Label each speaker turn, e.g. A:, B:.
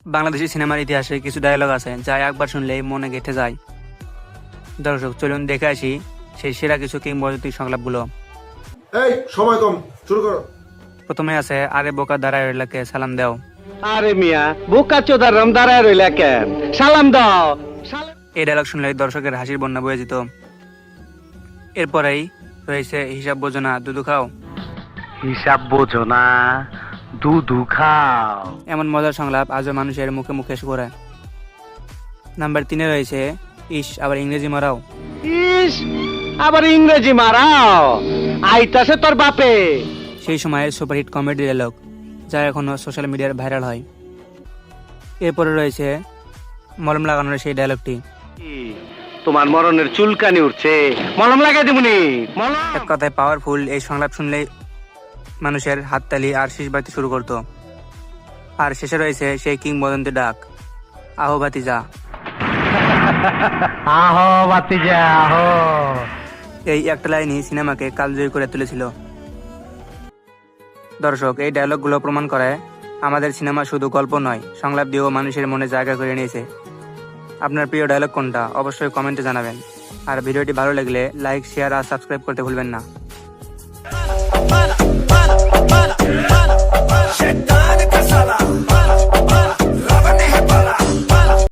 A: বাংলাদেশি সিনেমার ইতিহাসে কিছু ডায়লগ আছে যা একবার শুনলেই মনে গেঁথে যায়। দর্শক চলুন দেখে আসি সেই সেরা কিছু কিংবদন্তি সংলাপগুলো।
B: এই সময় কম, শুরু করো।
A: প্রথমে আছে, আরে বোকা দাঁড়ায় রইলাকে সালাম দাও।
C: আরে মিয়া বোকা চোদার রাম দাঁড়ায় রইলা কেন, সালাম দাও।
A: এই ডায়লগ শুনলেই দর্শকের হাসির বন্যা বয়ে যেত। এরপরেই রয়েছে, হিসাব বোঝো না দুধু খাও।
C: হিসাব বোঝো না দুধু খাও।
A: এমন মজার সংলাপ আজও মানুষের মুখে মুখে এসে পড়ে। নাম্বার 3-এ রয়েছে, ইস আবার ইংরেজি মারাও।
C: ইস আবার ইংরেজি মারাও, আইতাছে তোর বাপে।
A: সেই সময়ের সুপারহিট কমেডি ডায়লগ যা এখনো সোশ্যাল মিডিয়ার ভাইরাল হয়। এরপরে রয়েছে মলম লাগানোর সেই ডায়লগটি।
C: তোমার মরণের চুলকানি উঠছে, মলম লাগাই দিবনি।
A: এক কথায় পাওয়ারফুল এই সংলাপ শুনলেই মানুষের হাততালি আর শীষ বাড়তে শুরু করতো। আর শেষে রয়েছে সেই কিংবদন্তি ডাক, আহো ভাতিজা।
C: আহো বাতিজা আহো।
A: এই একটা লাইনই সিনেমাকে কালজয়ী করে তুলেছিল। দর্শক, এই ডায়লগগুলো প্রমাণ করে আমাদের সিনেমা শুধু গল্প নয়, সংলাপ দিয়েও মানুষের মনে জায়গা করে নিয়েছে। আপনার প্রিয় ডায়লগ কোনটা অবশ্যই কমেন্টে জানাবেন। আর ভিডিওটি ভালো লাগলে লাইক, শেয়ার আর সাবস্ক্রাইব করতে ভুলবেন না।
D: Shetani kasala